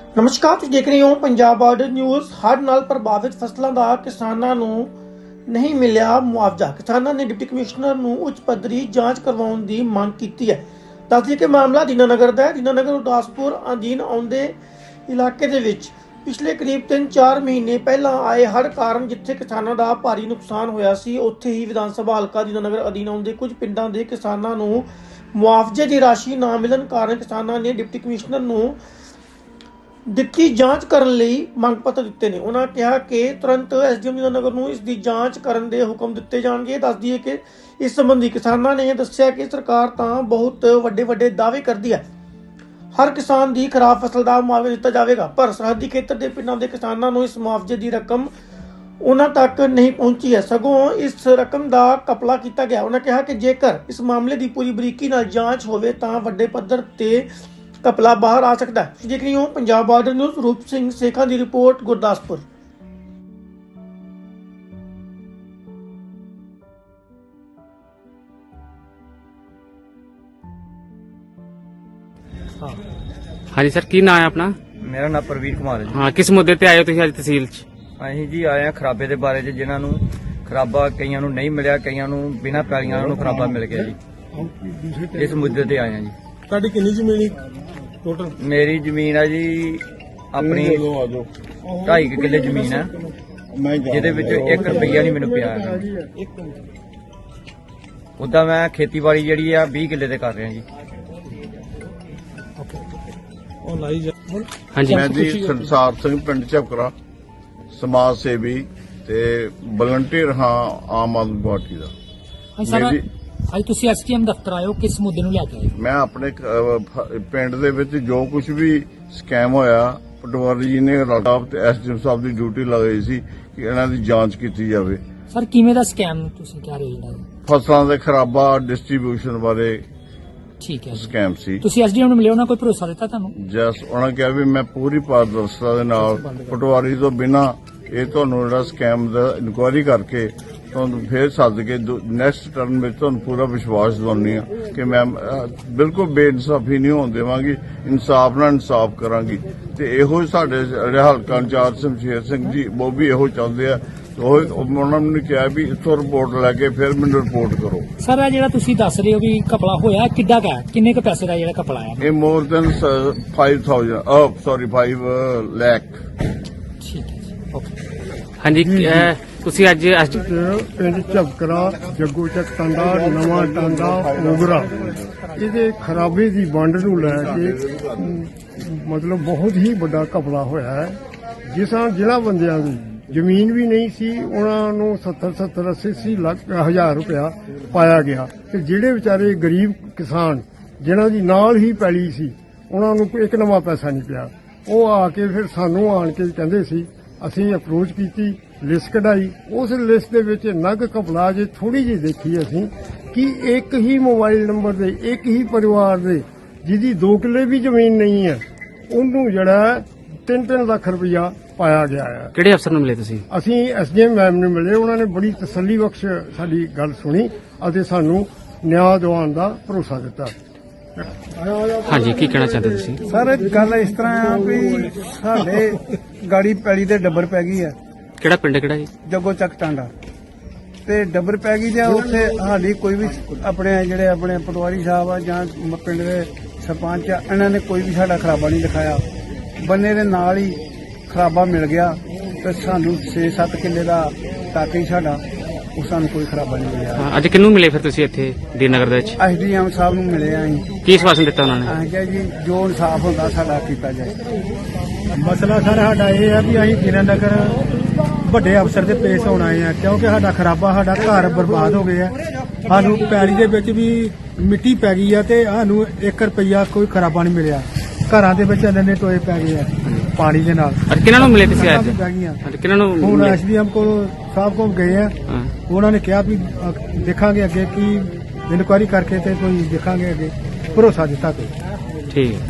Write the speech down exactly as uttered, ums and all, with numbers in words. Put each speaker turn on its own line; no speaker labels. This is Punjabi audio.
ਨਮਸਕਾਰ, ਤੁਸੀਂ ਦੇਖ ਰਹੇ ਹੋ ਪੰਜਾਬ ਬਾਰਡਰ ਨਿਊਜ਼। ਹੜ੍ਹ ਨਾਲ ਪ੍ਰਭਾਵਿਤ ਫਸਲਾਂ ਦਾ ਕਿਸਾਨਾਂ ਨੂੰ ਨਹੀਂ ਮਿਲਿਆ ਮੁਆਵਜ਼ਾ। ਕਿਸਾਨਾਂ ਨੇ ਡਿਪਟੀ ਕਮਿਸ਼ਨਰ ਨੂੰ ਉੱਚ ਪੱਧਰੀ ਜਾਂਚ ਕਰਵਾਉਣ ਦੀ ਮੰਗ ਕੀਤੀ ਹੈ। ਦੱਸ ਦਈਏ ਕਿ ਮਾਮਲਾ ਦੀਨਾਨਗਰ ਦਾ ਹੈ। ਦੀਨਾਨਗਰ ਗੁਰਦਾਸਪੁਰ ਅਧੀਨ ਆਉਂਦੇ ਇਲਾਕੇ ਦੇ ਵਿੱਚ ਪਿਛਲੇ ਕਰੀਬ ਤਿੰਨ ਚਾਰ ਮਹੀਨੇ ਪਹਿਲਾਂ ਆਏ ਹੜ੍ਹ ਕਾਰਨ ਜਿੱਥੇ ਕਿਸਾਨਾਂ ਦਾ ਭਾਰੀ ਨੁਕਸਾਨ ਹੋਇਆ ਸੀ, ਉੱਥੇ ਹੀ ਵਿਧਾਨ ਸਭਾ ਹਲਕਾ ਦੀਨਾਨਗਰ ਅਧੀਨ ਆਉਂਦੇ ਕੁਝ ਪਿੰਡਾਂ ਦੇ ਕਿਸਾਨਾਂ ਨੂੰ ਮੁਆਵਜ਼ੇ ਦੀ ਰਾਸ਼ੀ ਨਾ ਮਿਲਣ ਕਾਰਨ ਕਿਸਾਨਾਂ ਨੇ ਡਿਪਟੀ ਕਮਿਸ਼ਨਰ ਨੂੰ ਦਿੱਤੀ ਜਾਂਚ ਕਰਨ ਲਈ ਮੰਗ ਪੱਤਰ ਦਿੱਤੇ ਨੇ। ਉਹਨਾਂ ਕਿਹਾ ਕਿ ਤੁਰੰਤ ਐਸਡੀਐਮ ਦੀਨਾਨਗਰ ਨੂੰ ਇਸ ਦੀ ਜਾਂਚ ਕਰਨ ਦੇ ਹੁਕਮ ਦਿੱਤੇ ਜਾਣਗੇ। ਦੱਸ ਦਈਏ ਕਿ ਇਸ ਸੰਬੰਧੀ ਕਿਸਾਨਾਂ ਨੇ ਦੱਸਿਆ ਕਿ ਸਰਕਾਰ ਤਾਂ ਬਹੁਤ ਵੱਡੇ ਵੱਡੇ ਦਾਅਵੇ ਕਰਦੀ ਹੈ, ਹਰ ਕਿਸਾਨ ਦੀ ਖਰਾਬ ਫਸਲ ਦਾ ਮੁਆਵਜ਼ਾ ਦਿੱਤਾ ਜਾਵੇਗਾ, ਪਰ ਸਰਹੱਦੀ ਖੇਤਰ ਦੇ ਪਿੰਡਾਂ ਦੇ ਕਿਸਾਨਾਂ ਨੂੰ ਇਸ ਮੁਆਵਜ਼ੇ ਦੀ ਰਕਮ ਉਹਨਾਂ ਤੱਕ ਨਹੀਂ ਪਹੁੰਚੀ ਹੈ, ਸਗੋਂ ਇਸ ਰਕਮ ਦਾ ਘਪਲਾ ਕੀਤਾ ਗਿਆ। ਉਹਨਾਂ ਕਿਹਾ ਕਿ ਜੇਕਰ ਇਸ ਮਾਮਲੇ ਦੀ ਪੂਰੀ ਬਰੀਕੀ ਨਾਲ ਜਾਂਚ ਹੋਵੇ ਤਾਂ ਵੱਡੇ ਪੱਧਰ ਤੇ ਘਪਲਾ ਬਾਹਰ ਆ ਸਕਦਾ ਹੈ। ਤੁਸੀਂ ਦੇਖ ਰਹੇ ਹੋ ਪੰਜਾਬ ਬਾਰਡਰ ਨਿਊਜ਼। ਰੂਪ ਸਿੰਘ ਸੇਖਾਂ ਦੀ ਰਿਪੋਰਟ, ਗੁਰਦਾਸਪੁਰ।
हाँ जी सर, की नाम है अपना?
मेरा नाम प्रवीर कुमार है जी।
हाँ, किस मुद्दे ते आए हो तुसीं अज तहसील च?
ਅਸੀਂ ਜੀ ਆਏ ਆ ਖਰਾਬੇ ਦੇ ਬਾਰੇ ਚ, ਜਿਨ੍ਹਾਂ ਨੂੰ ਖਰਾਬਾ ਕਈਆਂ ਨੂੰ ਨਹੀਂ ਮਿਲਿਆ, ਕਈਆਂ ਨੂੰ ਬਿਨਾਂ ਪੈਲੀਆਂ ਨੂੰ ਖਰਾਬਾ ਮਿਲ ਗਿਆ ਜੀ। ਇਸ ਮੁੱਦੇ ਤੇ ਆਏ ਆ ਜੀ।
ਤੁਹਾਡੀ ਕਿੰਨੀ ਜ਼ਮੀਨ ਟੋਟਲ?
ਮੇਰੀ ਜ਼ਮੀਨ ਆ ਜੀ ਆਪਣੀ ਢਾਈ ਕੁ ਕਿੱਲੇ ਜ਼ਮੀਨ ਆ, ਜਿਹਦੇ ਵਿੱਚ ਇੱਕ ਰੁਪਈਆ ਨਹੀਂ ਮੈਨੂੰ ਪਿਆ ਹੈਗਾ। ਉਦਾਂ ਮੈਂ ਖੇਤੀਬਾੜੀ ਜਿਹੜੀ ਆ ਵੀਹ ਕਿੱਲੇ ਤੇ ਕਰ ਰਿਹਾ ਜੀ।
हाँ जी,
मैं जी संसार सिंह पिंड झपकरा समाज सेवी ते वलंटियर हाँ आम आदमी पार्टी का।
ਸਰ
मेरी
ਅੱਜ ਤੁਸੀਂ ਐਸਟੀਐਮ ਦਫ਼ਤਰ ਆਏ ਹੋ, ਕਿਸ ਮੁੱਦੇ ਨੂੰ ਲੈ ਕੇ ਆਏ ਹੋ?
मैं अपने अ, ਪਿੰਡ ਦੇ ਵਿੱਚ ਜੋ ਕੁਝ ਵੀ ਸਕੈਮ ਹੋਇਆ, ਪਟਵਾਰੀ ਜੀ ਨੇ ਰਾਟਾਪ ਤੇ ਐਸਡੀਐਮ ਸਾਹਿਬ ਦੀ ਡਿਊਟੀ ਲਗਾਈ ਸੀ ਕਿ ਇਹਨਾਂ ਦੀ ਜਾਂਚ ਕੀਤੀ ਜਾਵੇ।
ਸਰ ਕਿਵੇਂ ਦਾ ਸਕੈਮ ਤੁਸੀਂ ਕਹਿ ਰਹੇ ਹੋ ਜਿਹੜਾ?
ਫਸਲਾਂ ਦੇ ਖਰਾਬਾ ਡਿਸਟ੍ਰੀਬਿਊਸ਼ਨ ਬਾਰੇ
ਠੀਕ ਹੈ ਜੀ।
ਸਕੈਮ ਸੀ।
ਤੁਸੀਂ ਐਸਡੀਐਮ ਨੂੰ ਮਿਲੇ, ਉਹਨਾਂ ਕੋਈ ਭਰੋਸਾ ਦਿੱਤਾ ਤੁਹਾਨੂੰ?
ਜਸ ਉਹਨਾਂ ਕਿਹਾ ਵੀ ਮੈਂ ਪੂਰੀ ਪਾਰਦਰਸ਼ਤਾ ਦੇ ਨਾਲ ਪਟਵਾਰੀ ਤੋਂ ਬਿਨਾਂ ਇਹ ਤੁਹਾਨੂੰ ਜਿਹੜਾ ਸਕੈਮ ਦਾ ਇਨਕੁਆਇਰੀ ਕਰਕੇ ਤੁਹਾਨੂੰ ਫੇਰ ਸੱਦ ਕੇ ਨੈਕਸਟ ਟਰਨ ਵਿੱਚ ਤੁਹਾਨੂੰ ਪੂਰਾ ਵਿਸ਼ਵਾਸ ਦਿਵਾਉਂਦੀ ਆ ਕਿ ਮੈਂ ਅਹ, ਬਿਲਕੁਲ ਬੇਇਨਸਾਫੀ ਨਹੀਂ ਹੋਣ ਦੇਵਾਂਗੀ, ਇਨਸਾਫ ਨਾਲ ਇਨਸਾਫ ਕਰਾਂਗੀ। ਤੇ ਇਹੋ ਹੀ ਸਾਡੇ ਜਿਹੜੇ ਹਲਕਾ ਇੰਚਾਰਜ ਸ਼ਮਸ਼ੇਰ ਸਿੰਘ ਜੀ ਉਹ ਵੀ ਇਹੋ ਚਾਹੁੰਦੇ ਆ। ਉਹ ਉਹਨਾਂ ਨੇ ਕਿਹਾ ਵੀ ਇੱਥੋਂ ਰਿਪੋਰਟ ਲੈ ਕੇ ਫਿਰ ਮੈਨੂੰ ਰਿਪੋਰਟ ਕਰੋ।
ਸਰ ਇਹ ਜਿਹੜਾ ਤੁਸੀਂ ਦੱਸ ਰਹੇ ਹੋ ਵੀ ਘਪਲਾ ਹੋਇਆ, ਕਿੱਡਾ ਕੁ ਹੈ, ਕਿੰਨੇ ਕੁ ਪੈਸੇ ਦਾ ਜਿਹੜਾ ਘਪਲਾ ਆਇਆ?
ਇਹ more than five thousand uh sorry five lakh.
ਠੀਕ ਹੈ ਜੀ, ਓਕੇ।
हाँ जी, अह, तुसीं अज अज
ਪਿੰਡ ਝਬਕਰਾ, ਜੱਗੂ ਚੱਕ ਟਾਂਡਾ, ਨਵਾਂ ਟਾਂਡਾ, ਉਗਰਾ, ਇਹਦੇ ਖਰਾਬੇ ਦੀ ਵੰਡ ਨੂੰ ਲੈ ਕੇ ਅਮ, ਮਤਲਬ ਬਹੁਤ ਹੀ ਵੱਡਾ ਘਪਲਾ ਹੋਇਆ ਹੈ। ਜਿਸਾਂ ਜਿਨ੍ਹਾਂ ਬੰਦਿਆਂ ਦੀ ਜ਼ਮੀਨ ਵੀ ਨਹੀਂ ਸੀ, ਉਹਨਾਂ ਨੂੰ ਸੱਤਰ ਸੱਤਰ ਅੱਸੀ ਅੱਸੀ ਲੱਖ ਹਜ਼ਾਰ ਰੁਪਇਆ ਪਾਇਆ ਗਿਆ, ਤੇ ਜਿਹੜੇ ਵਿਚਾਰੇ ਗਰੀਬ ਕਿਸਾਨ ਜਿਨ੍ਹਾਂ ਦੀ ਨਾਲ ਹੀ ਪੈਲੀ ਸੀ, ਉਹਨਾਂ ਨੂੰ ਕੋਈ ਇੱਕ ਨਵਾਂ ਪੈਸਾ ਨਹੀਂ ਪਿਆ। ਉਹ ਆ ਕੇ ਫਿਰ ਸਾਨੂੰ ਆਣ ਕੇ ਕਹਿੰਦੇ ਸੀ, ਅਸੀਂ ਅਪਰੋਚ ਕੀਤੀ, ਲਿਸਟ ਕਢਾਈ। ਉਸ ਲਿਸਟ ਦੇ ਵਿੱਚ ਨਗ ਘਪਲਾ ਜੇ ਥੋੜੀ ਜਿਹੀ ਦੇਖੀ ਅਸੀਂ ਕਿ ਇੱਕ ਹੀ ਮੋਬਾਈਲ ਨੰਬਰ ਦੇ ਇੱਕ ਹੀ ਪਰਿਵਾਰ ਦੇ ਜਿਹਦੀ ਦੋ ਕਿੱਲੇ ਵੀ ਜ਼ਮੀਨ ਨਹੀਂ ਹੈ, ਉਹਨੂੰ ਜਿਹੜਾ ਤਿੰਨ ਤਿੰਨ ਲੱਖ ਰੁਪਇਆ ਪਾਇਆ ਗਿਆ ਹੈ।
ਕਿਹੜੇ ਅਫਸਰ ਨੂੰ ਮਿਲੇ ਤੁਸੀਂ?
ਅਸੀਂ ਐਸਡੀਐਮ ਮੈਮ ਨੂੰ ਮਿਲੇ, ਉਹਨਾਂ ਨੇ ਬੜੀ ਤਸੱਲੀ ਬਖਸ਼ ਸਾਡੀ ਗੱਲ ਸੁਣੀ ਅਤੇ ਸਾਨੂੰ ਨਿਆਂ ਦਿਵਾਉਣ ਦਾ ਭਰੋਸਾ ਦਿੱਤਾ।
हाँ जी, की कहना चाहते तुसीं?
ਸਰ ਗੱਲ ਇਸ ਤਰ੍ਹਾਂ ਆ ਵੀ ਸਾਡੇ ਗਾੜੀ ਪੈਲੀ ਦੇ ਡੱਬਰ ਪੈ ਗਈ ਆ,
ਕਿਹੜਾ ਪਿੰਡ ਕਿਹੜਾ ਜੀ?
ਜੱਗੋ ਚੱਕ ਟਾਂਡਾ, ਤੇ ਡੱਬਰ ਪੈ ਗਈ ਜਾਂ ਉੱਥੇ ਸਾਡੀ ਕੋਈ ਵੀ ਆਪਣੇ ਜਿਹੜੇ ਆਪਣੇ ਪਟਵਾਰੀ ਸਾਹਿਬ ਆ ਜਾਂ ਪਿੰਡ ਦੇ ਸਰਪੰਚ ਆ, ਇਹਨਾਂ ਨੇ ਕੋਈ ਵੀ ਸਾਡਾ ਖਰਾਬਾ ਨਹੀਂ ਦਿਖਾਇਆ। ਬੰਨੇ ਦੇ ਨਾਲ ਹੀ ਖਰਾਬਾ ਮਿਲ ਗਿਆ ਤੇ ਸਾਨੂੰ ਛੇ ਸੱਤ ਕਿੱਲੇ ਦਾ ਤੱਕ ਹੀ ਸਾਡਾ, ਉਹ ਸਾਨੂੰ ਕੋਈ ਖਰਾਬਾ ਨਹੀਂ ਮਿਲਿਆ।
ਹਾਂ, ਅੱਜ ਕਿਹਨੂੰ ਮਿਲੇ ਫਿਰ ਤੁਸੀਂ ਇੱਥੇ ਦੀਨਨਗਰ ਦੇ ਵਿੱਚ?
ਐਸਡੀਐਮ ਸਾਹਿਬ ਨੂੰ ਮਿਲੇ ਆ ਅਸੀਂ।
ਕੀ ਸਵਾਸਨ ਦਿੱਤਾ ਉਹਨਾਂ ਨੇ?
ਅਸੀਂ ਕਿਹਾ ਜੀ ਜੋ ਇਨਸਾਫ ਹੁੰਦਾ ਸਾਡਾ ਕੀਤਾ ਜਾਏ।
ਮਸਲਾ ਸਰ ਸਾਡਾ ਇਹ ਹੈ ਵੀ ਅਸੀਂ ਦੀਨਾਨਗਰ ਵੱਡੇ ਅਫਸਰ ਦੇ ਪੇਸ਼ ਹੋਣ ਆਏ ਆ, ਕਿਉਂਕਿ ਸਾਡਾ ਖਰਾਬਾ, ਸਾਡਾ ਘਰ ਬਰਬਾਦ ਹੋ ਗਏ ਆ। ਸਾਨੂੰ ਪੈਲੀ ਦੇ ਵਿੱਚ ਵੀ ਮਿੱਟੀ ਪੈ ਗਈ ਆ ਤੇ ਸਾਨੂੰ ਇੱਕ ਰੁਪਈਆ ਕੋਈ ਖਰਾਬਾ ਨਹੀਂ ਮਿਲਿਆ। ਘਰਾਂ ਦੇ ਵਿੱਚ ਇੰਨੇ ਟੋਏ ਪੈ ਗਏ ਆ ਪਾਣੀ ਦੇ ਨਾਲ।
ਅੱਜ ਕਿਹਨਾਂ ਨੂੰ ਮਿਲੇ ਤੁਸੀਂ ਅੱਜ?
ਪੈ ਗਈਆਂ।
ਅੱਜ ਕਿਹਨਾਂ ਨੂੰ
ਹੁਣ
ਮਿਲੇ?
ਐਸਡੀਐਮ ਕੋਲ ਸਾਹਿਬ ਕੋਲ ਗਏ ਆ,
ਹਾਂ,
ਉਹਨਾਂ ਨੇ ਕਿਹਾ ਵੀ ਅ, ਦੇਖਾਂਗੇ ਅੱਗੇ ਕੀ ਇਨਕੁਆਇਰੀ ਕਰਕੇ ਤੇ ਕੋਈ ਦੇਖਾਂਗੇ ਅੱਗੇ, ਭਰੋਸਾ ਦਿੱਤਾ ਕੋਈ।
ਠੀਕ ਹੈ।